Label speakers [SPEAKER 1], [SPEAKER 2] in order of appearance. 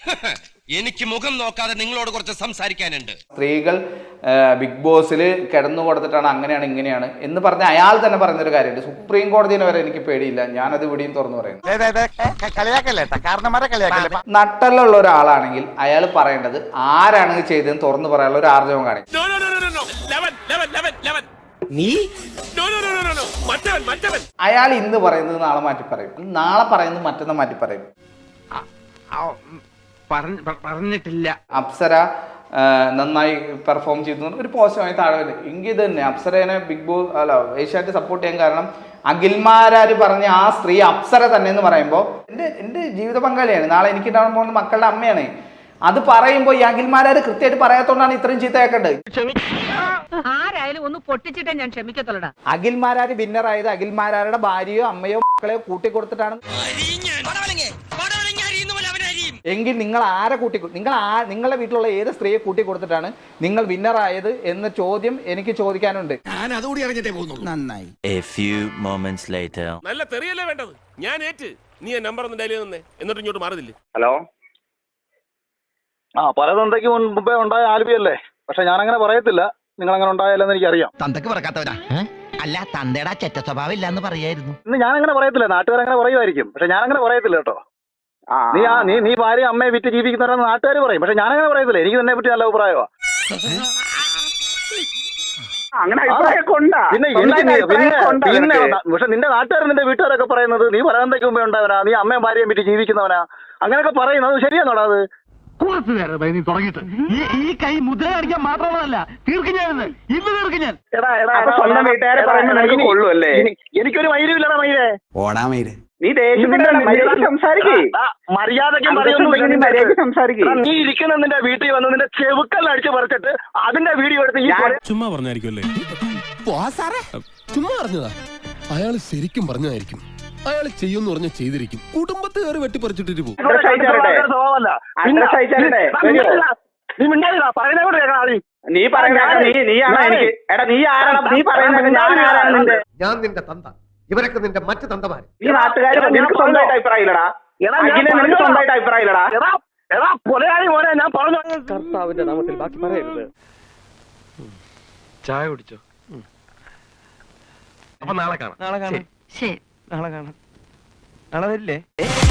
[SPEAKER 1] എനിക്ക് മുഖം നോക്കാതെ നിങ്ങളോട് കുറച്ച് സംസാരിക്കാനുണ്ട്.
[SPEAKER 2] സ്ത്രീകൾ ബിഗ് ബോസിൽ കിടന്നു കൊടുത്തിട്ടാണ് അങ്ങനെയാണ് ഇങ്ങനെയാണ് എന്ന് പറഞ്ഞ അയാൾ തന്നെ പറഞ്ഞൊരു കാര്യമുണ്ട്. സുപ്രീം കോടതിനെ വരെ എനിക്ക് പേടിയില്ല, ഞാനത് ഇവിടെയും തുറന്നു പറയുന്നു. നട്ടലുള്ള ഒരാളാണെങ്കിൽ അയാൾ പറയേണ്ടത് ആരാണ് ചെയ്തതെന്ന് തുറന്നു പറയാനുള്ള ഒരു ആർജവം കാണിക്കും. അയാൾ ഇന്ന് പറയുന്നത് നാളെ മാറ്റി പറയും, നാളെ പറയുന്നത് മറ്റന്നാൾ മാറ്റി പറയും.
[SPEAKER 3] പറഞ്ഞിട്ടില്ല.
[SPEAKER 2] അപ്സര നന്നായി പെർഫോം ചെയ്തു ഒരു പോസിറ്റീവായി താഴെ എങ്കിൽ ഇത് തന്നെ അപ്സരേനെ ബിഗ് ബോസ് ഏഷ്യാനെറ്റ് സപ്പോർട്ട് ചെയ്യാൻ കാരണം അഖിൽമാരാര് പറഞ്ഞ ആ സ്ത്രീ അപ്സര തന്നെ എന്ന് പറയുമ്പോൾ എൻ്റെ ജീവിത പങ്കാളിയാണ്, നാളെ എനിക്ക് ഉണ്ടാവാൻ പോകുന്ന മക്കളുടെ അമ്മയാണ്. അത് പറയുമ്പോൾ ഈ അഖിൽമാരാര് കൃത്യമായിട്ട് പറയാത്തോണ്ടാണ് ഇത്രയും ചീത്ത കേൾക്കേണ്ടത്.
[SPEAKER 4] ആരായാലും ഒന്ന് പൊട്ടിച്ചിട്ടേ ഞാൻ ക്ഷമിക്കത്തുള്ളടാ.
[SPEAKER 2] അഖിൽമാരാര് വിന്നറായത് അഖിൽമാരാരുടെ ഭാര്യയോ അമ്മയോ മക്കളെയോ കൂട്ടിക്കൊടുത്തിട്ടാണ് എങ്കിൽ നിങ്ങൾ ആരെ നിങ്ങളുടെ വീട്ടിലുള്ള ഏത് സ്ത്രീയെ കൂട്ടിക്കൊടുത്തിട്ടാണ് നിങ്ങൾ വിന്നറായത് എന്ന ചോദ്യം എനിക്ക് ചോദിക്കാനുണ്ട്.
[SPEAKER 3] നന്നായി.
[SPEAKER 5] നല്ല തെറിയല്ലേ വേണ്ടത്? ഞാൻ ഏറ്റ് നീ നമ്പർ ഒന്ന് ഡയൽ ചെയ്തേ, എന്നിട്ട് ഇങ്ങോട്ട് മാറുന്നില്ലേ?
[SPEAKER 6] ഹലോ, പലതന്തയ്ക്ക് മുമ്പേ ഉണ്ടായ ആൽബിയല്ലേ, പക്ഷെ ഞാനങ്ങനെ പറയത്തില്ല. നിങ്ങൾ അങ്ങനെ ഉണ്ടായാലെന്ന് എനിക്കറിയാം.
[SPEAKER 3] തന്തക്ക് പറക്കാത്തവരാ അല്ല, തന്തയുടെ ചെറ്റ സ്വഭാവം ഇല്ലാന്ന് പറയായിരുന്നു.
[SPEAKER 6] ഇന്ന് ഞാനങ്ങനെ പറയത്തില്ല, നാട്ടുകാരങ്ങനെ പറയുമായിരിക്കും, പക്ഷെ ഞാനങ്ങനെ പറയത്തില്ല കേട്ടോ. നീ ഭാര്യ അമ്മയെ വിറ്റ് ജീവിക്കുന്നവരെന്ന് നാട്ടുകാർ പറയും, പക്ഷെ ഞാനങ്ങനെ പറയത്തില്ല. എനിക്ക് തന്നെ പറ്റി നല്ല അഭിപ്രായമാണ്. പിന്നെ പക്ഷെ നിന്റെ നാട്ടുകാർ നിന്റെ വീട്ടുകാരൊക്കെ പറയുന്നത് നീ പലതന്തയ്ക്ക് മുമ്പേ ഉണ്ടാവനാ, നീ അമ്മയും ഭാര്യയും വിറ്റ് ജീവിക്കുന്നവനാ, അങ്ങനെയൊക്കെ പറയുന്നത്. അത് ശരിയാണോടാ? അത്
[SPEAKER 3] ഈ കൈ മുദ്ര കാണിക്കാൻ മാത്രമല്ല, തീർക്കും ഞാൻ ഇന്ന് തീർക്കും ഞാൻ.
[SPEAKER 6] എനിക്കൊരു മൈരുമില്ലടാ മൈരേ.
[SPEAKER 3] ഓടാ മൈര്,
[SPEAKER 6] നീ നീ ഇരിക്കുന്ന നിന്റെ വീട്ടിൽ വന്ന് നിന്റെ ചെവുക്കൽ അടിച്ചു പറിച്ചിട്ട് അതിന്റെ വീഡിയോ എടുത്ത് ഈ
[SPEAKER 5] ചുമ്മാ പറഞ്ഞായിരിക്കുമല്ലേ? ചുമ്മാ പറഞ്ഞതാ. അയാൾ ശരിക്കും പറഞ്ഞതായിരിക്കും. അയാൾ ചെയ്യുമെന്ന് പറഞ്ഞ ചെയ്തിരിക്കും. കുടുംബത്തെ കയറി വെട്ടിപ്പറിച്ചിട്ടിട്ട് പോകും.
[SPEAKER 7] ഞാൻ നിന്റെ തന്ത, ഇവരൊക്കെ നിന്റെ മറ്റു തന്തമാര്.
[SPEAKER 6] ഈ നാട്ടുകാർ നിനക്ക് സ്വന്തമായിട്ട് അഭിപ്രായമില്ലടാ. നിനക്ക് സ്വന്തമായിട്ട് അഭിപ്രായമില്ലടാ. ഞാൻ പറഞ്ഞു. കർത്താവിന്റെ നാമത്തിൽ ബാക്കി പറയരുത്.
[SPEAKER 7] ചായ കുടിച്ചോ? അപ്പൊ നാളെ കാണാം.
[SPEAKER 4] ശരി,
[SPEAKER 7] നാളെ കാണാം. നാളെ വരില്ലേ?